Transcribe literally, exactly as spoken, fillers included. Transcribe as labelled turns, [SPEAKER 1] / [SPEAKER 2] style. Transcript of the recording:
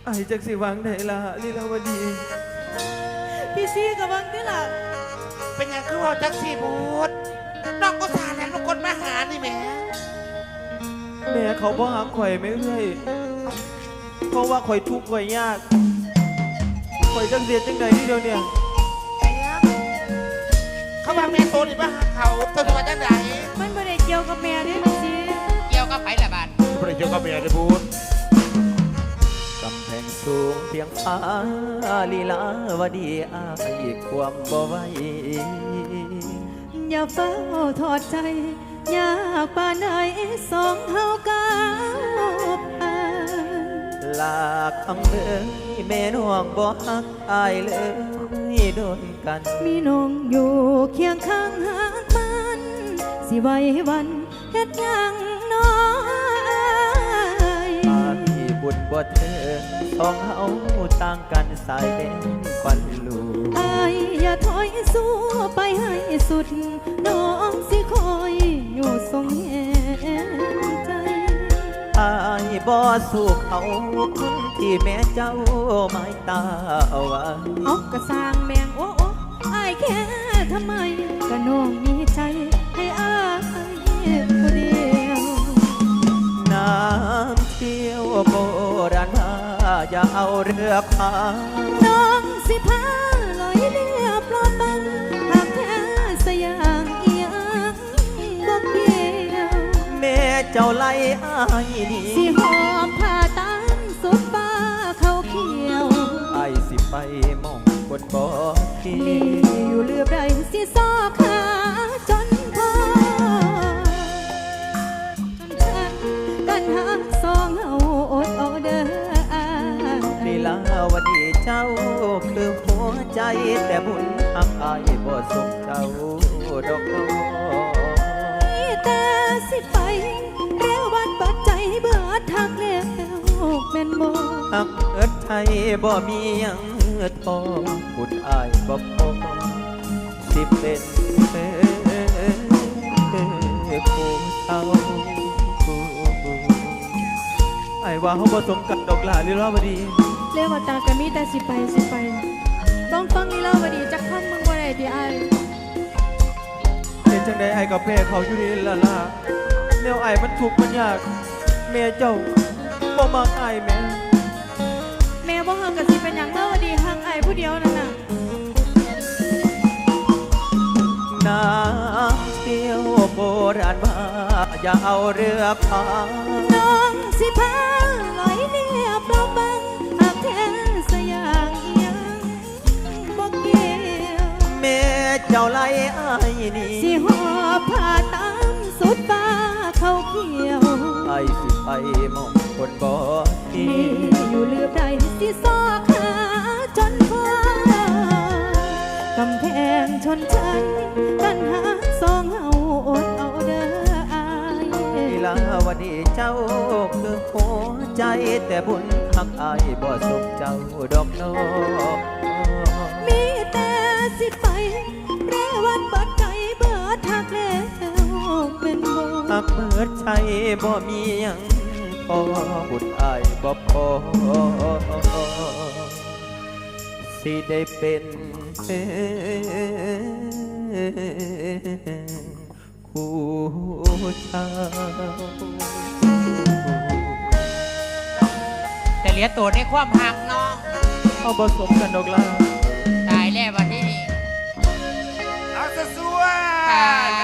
[SPEAKER 1] ไอ้จักสิวังไหนล่ะลีลาวดี
[SPEAKER 2] พี่ซีกับวังนี่ล่ะ
[SPEAKER 3] เป็นยังคือว่าจักสีบูดน้องก็สาแหลงลูกคนมาหานี่แม่
[SPEAKER 1] แม่เขาบ่หักข่อยไม่เรื่อยเพราะว่าข่อยทุกข์ข่อยยากข่อยจังเสียจังใดนี่เดียวเนี่ย
[SPEAKER 3] เขาว่าแม่โตนี่มาหาเขาตัวตัวจังไหน
[SPEAKER 2] มันไม่ได้เกี่ยวกับแม่เด้พี่ซี
[SPEAKER 3] เกี่ยวกับไผ่ละบาทไม่ได้เกี่ยวกับแม่ได้บูด
[SPEAKER 1] กำแพงสูงเพียงฟ้าลีลาวดีอายความบ่ไหว
[SPEAKER 2] อย่าเฝ้าทอดใจอยากป่านไหนสองเฮากาวผ่าน
[SPEAKER 1] ลาคำเอ่ยแม่น้องบ่ฮักอายเลยโดนกัน
[SPEAKER 2] มีน้องอยู่เคียงข้างหากมันสิไว้วันเฮ็ดยังน้อย
[SPEAKER 1] อายบุญบ่เถิดสองเฮาต่างกันสายเด่นควันลู
[SPEAKER 2] อายอย่าถอยสู้ไปให้สุดน้องสิคอยอยู่ทรงแห่งใจ
[SPEAKER 1] อายบ่สู้เขาคนที่แม่เจ้าหมายตาเอาไว้
[SPEAKER 2] เอากระสร้างแมงโอ้โอ้อายแค่ทำไมก็น้องมีใจให้อายคนเดียว
[SPEAKER 1] น้ำเที่ยวโบราณมาอย่าเอาเรือพา
[SPEAKER 2] น้องสิพาลอยเรือปลอมบังหากแท้สยางเอียงบ่เกี่ยว
[SPEAKER 1] แม่เจ้าไล่อายนี่
[SPEAKER 2] สิหอบผ้าตามสุดฟ้าเขาเขียว
[SPEAKER 1] ไอสิไปมองบนบ่อที่
[SPEAKER 2] มีอยู่เรือใดสิซอกขาจนพอกันหาสองเฮาอดเอาเด้อ
[SPEAKER 1] ลีลาวดีเจ้าคือหัวใจแต่บุญหักอายบ่ส่งเจ้าดอกน้อ
[SPEAKER 2] แต่สิไปเรียววันปัดใจเบื่อทักแล้วแม่นบ่
[SPEAKER 1] หักเอิดไทยบ่มียังทอบุญอายบ่พอสิเป็นเออคู่เท่าไอ้ว่าเขาผสมกันดอกหลาลีลาวดี
[SPEAKER 2] เรียกว่าตากะมีแต่สิไปสิไปต้องฟังลีลาวดีจักคำมึงว่าได้ที่ไอ้
[SPEAKER 1] เป็นจังใดไอ้กับแม่เขาอยู่นี่ละล่ะแนวไอ้มันทุกข์มันยากแม่เจ้าบ่มักไอ้แม่
[SPEAKER 2] แม่บ่ฮักกะสิเป็นหยังลาวดีฮักไอ้ผู้เดียวนั่นน่ะ
[SPEAKER 1] น้ำเที่ยวโบราณมาอย่าเอาเรือพา
[SPEAKER 2] น้องสิพาลอยเรือปลอมบังหากแท้สยางเอียงบ่เกี่ยว
[SPEAKER 1] แม่เจ้าไล่อายนี่
[SPEAKER 2] สิหอบผ้าตามสุดฟ้าเขาเขียว
[SPEAKER 1] ไอ้สิไปมองคนบ่ที่
[SPEAKER 2] อยู่เรือใดสิซอกหาจนพอกำแพงชนชั้นกันหาสองเฮาอดเอาเด้ออาย
[SPEAKER 1] ลีลาวดีเจ้าคือหัวใจแต่บุญหักอายบ่ส่งเจ้าดอกน้อ
[SPEAKER 2] มีแต่สิไปเรวันบัดใจเบิดทักแล้วเป็นบ่
[SPEAKER 1] หักเบิดใจบ่มียังพอบุญอายบ่พอสิได้เป็นคู่ชา
[SPEAKER 3] แต่เหลือตัวในความหักเนาะ
[SPEAKER 1] เอาผสมกันดอกล่ะ
[SPEAKER 3] ตายแล้ววันนี้เอาสวย